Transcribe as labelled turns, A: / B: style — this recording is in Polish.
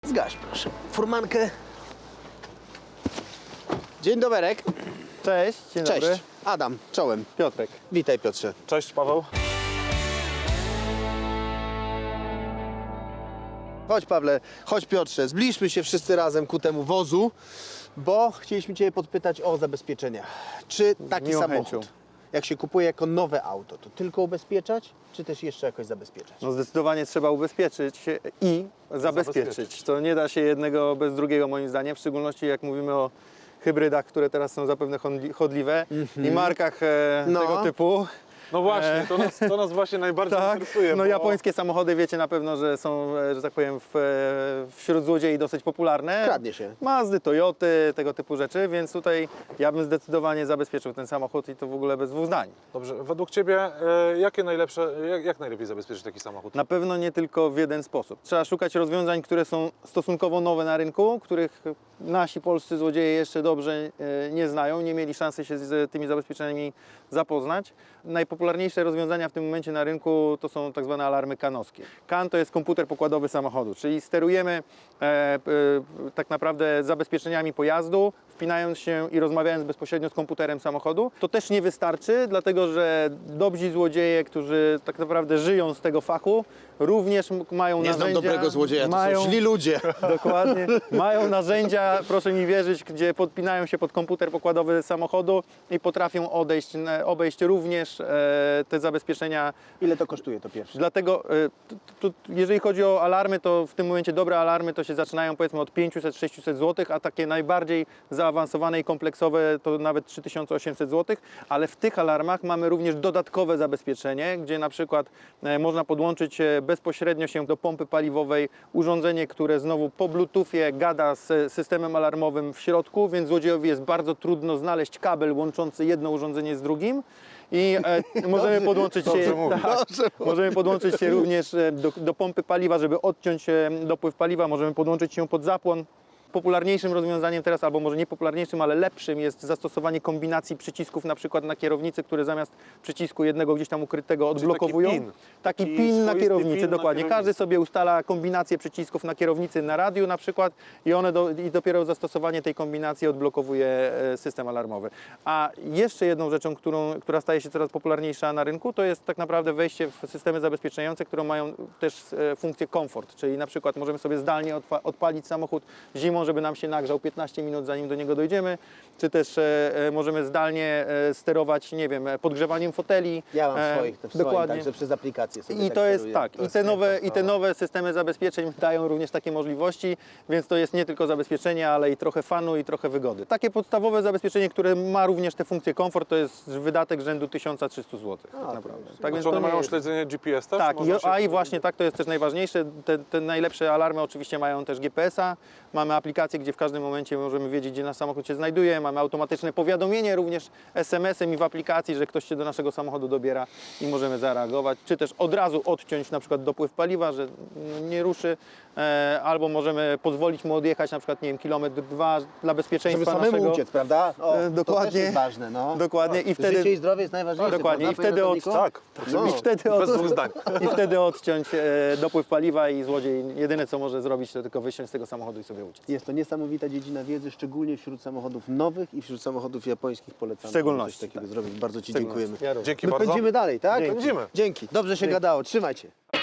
A: Zgaś proszę furmankę. Dzień doberek.
B: Cześć, dzień
A: Cześć.
B: dobry.
A: Adam, czołem.
B: Piotrek.
A: Witaj Piotrze.
C: Cześć Paweł.
A: Chodź Pawle, chodź Piotrze, zbliżmy się wszyscy razem ku temu wozu, bo chcieliśmy Cię podpytać o zabezpieczenia. Czy taki
B: Miłą
A: samochód,
B: chęcią.
A: jak się kupuje jako nowe auto, to tylko ubezpieczać, czy też jeszcze jakoś zabezpieczać?
B: No zdecydowanie trzeba ubezpieczyć i zabezpieczyć. To nie da się jednego bez drugiego moim zdaniem, w szczególności jak mówimy o hybrydach, które teraz są zapewne chodliwe i markach tego typu.
C: No właśnie, to nas właśnie najbardziej interesuje.
B: No
C: bo...
B: japońskie samochody wiecie na pewno, że są, że tak powiem, wśród złodziei dosyć popularne.
A: Kradnie się.
B: Mazdy, Toyoty, tego typu rzeczy, więc tutaj ja bym zdecydowanie zabezpieczył ten samochód i to w ogóle bez dwóch zdań.
C: Dobrze, według Ciebie jak najlepiej zabezpieczyć taki samochód?
B: Na pewno nie tylko w jeden sposób. Trzeba szukać rozwiązań, które są stosunkowo nowe na rynku, których nasi polscy złodzieje jeszcze dobrze nie znają, nie mieli szansy się z tymi zabezpieczeniami zapoznać. Najpopularniejsze rozwiązania w tym momencie na rynku to są tak zwane alarmy kanowskie. KAN to jest komputer pokładowy samochodu, czyli sterujemy tak naprawdę zabezpieczeniami pojazdu, wpinając się i rozmawiając bezpośrednio z komputerem samochodu. To też nie wystarczy, dlatego że dobrzy złodzieje, którzy tak naprawdę żyją z tego fachu, również mają
A: Nie
B: narzędzia.
A: znam dobrego złodzieja, to są źli ludzie.
B: Dokładnie. Mają narzędzia, proszę mi wierzyć, gdzie podpinają się pod komputer pokładowy samochodu i potrafią obejść również te zabezpieczenia.
A: Ile to kosztuje to pierwsze?
B: Dlatego, jeżeli chodzi o alarmy, to w tym momencie dobre alarmy to się zaczynają powiedzmy od 500-600 zł, a takie najbardziej zaawansowane i kompleksowe to nawet 3800 zł, ale w tych alarmach mamy również dodatkowe zabezpieczenie, gdzie na przykład można podłączyć bezpośrednio się do pompy paliwowej urządzenie, które znowu po Bluetoothie gada z systemem alarmowym w środku, więc złodziejowi jest bardzo trudno znaleźć kabel łączący jedno urządzenie z drugim. I możemy podłączyć się, możemy podłączyć się również do pompy paliwa, żeby odciąć dopływ paliwa, możemy podłączyć się pod zapłon. Popularniejszym rozwiązaniem teraz, albo może nie popularniejszym, ale lepszym jest zastosowanie kombinacji przycisków na przykład na kierownicy, które zamiast przycisku jednego gdzieś tam ukrytego odblokowują. Taki pin na kierownicy, dokładnie. Każdy sobie ustala kombinację przycisków na kierownicy na radiu na przykład i i dopiero zastosowanie tej kombinacji odblokowuje system alarmowy. A jeszcze jedną rzeczą, która staje się coraz popularniejsza na rynku, to jest tak naprawdę wejście w systemy zabezpieczające, które mają też funkcję komfort, czyli na przykład możemy sobie zdalnie odpalić samochód zimą, żeby nam się nagrzał 15 minut, zanim do niego dojdziemy, czy też możemy zdalnie sterować, nie wiem, podgrzewaniem foteli.
A: Ja mam swoich też,
B: dokładnie.
A: także przez aplikację sobie
B: I to jest
A: steruję.
B: tak, i te nowe systemy zabezpieczeń dają również takie możliwości, więc to jest nie tylko zabezpieczenie, ale i trochę fanu i trochę wygody. Takie podstawowe zabezpieczenie, które ma również te funkcje komfort, to jest wydatek rzędu 1300 zł. Tak naprawdę. Tak
C: Czy one
B: to nie
C: mają
B: jest...
C: śledzenie GPS też?
B: Tak,
C: Można
B: i właśnie tak, to jest też najważniejsze. Te najlepsze alarmy oczywiście mają też GPS-a. Mamy aplikację, gdzie w każdym momencie możemy wiedzieć, gdzie nasz samochód się znajduje. Mamy automatyczne powiadomienie również SMS-em i w aplikacji, że ktoś się do naszego samochodu dobiera i możemy zareagować. Czy też od razu odciąć na przykład dopływ paliwa, że nie ruszy. Albo możemy pozwolić mu odjechać na przykład, nie wiem, kilometr, dwa dla bezpieczeństwa
A: żeby samemu
B: naszego.
A: uciec, prawda? O,
B: Dokładnie.
A: To też jest ważne, no.
B: Dokładnie. I wtedy...
A: Życie i zdrowie jest najważniejsze.
B: Dokładnie.
A: Prawda,
B: I wtedy
A: panie ratowniku?
C: Tak,
A: No.
C: bez dwóch zdań.
B: I wtedy odciąć dopływ paliwa i złodziej jedyne co może zrobić, to tylko wysiąść z tego samochodu i sobie uciec.
A: Jest to niesamowita dziedzina wiedzy, szczególnie wśród samochodów nowych i wśród samochodów japońskich polecamy.
B: W szczególności,
A: coś takiego
B: tak.
A: zrobić. Bardzo Ci
B: Szczególności.
A: dziękujemy.
B: Ja również.
C: Dzięki
A: My
C: bardzo.
A: pędzimy dalej, tak?
B: Dzięki.
C: Pędzimy.
A: Dzięki. Dobrze się gadało. Trzymajcie.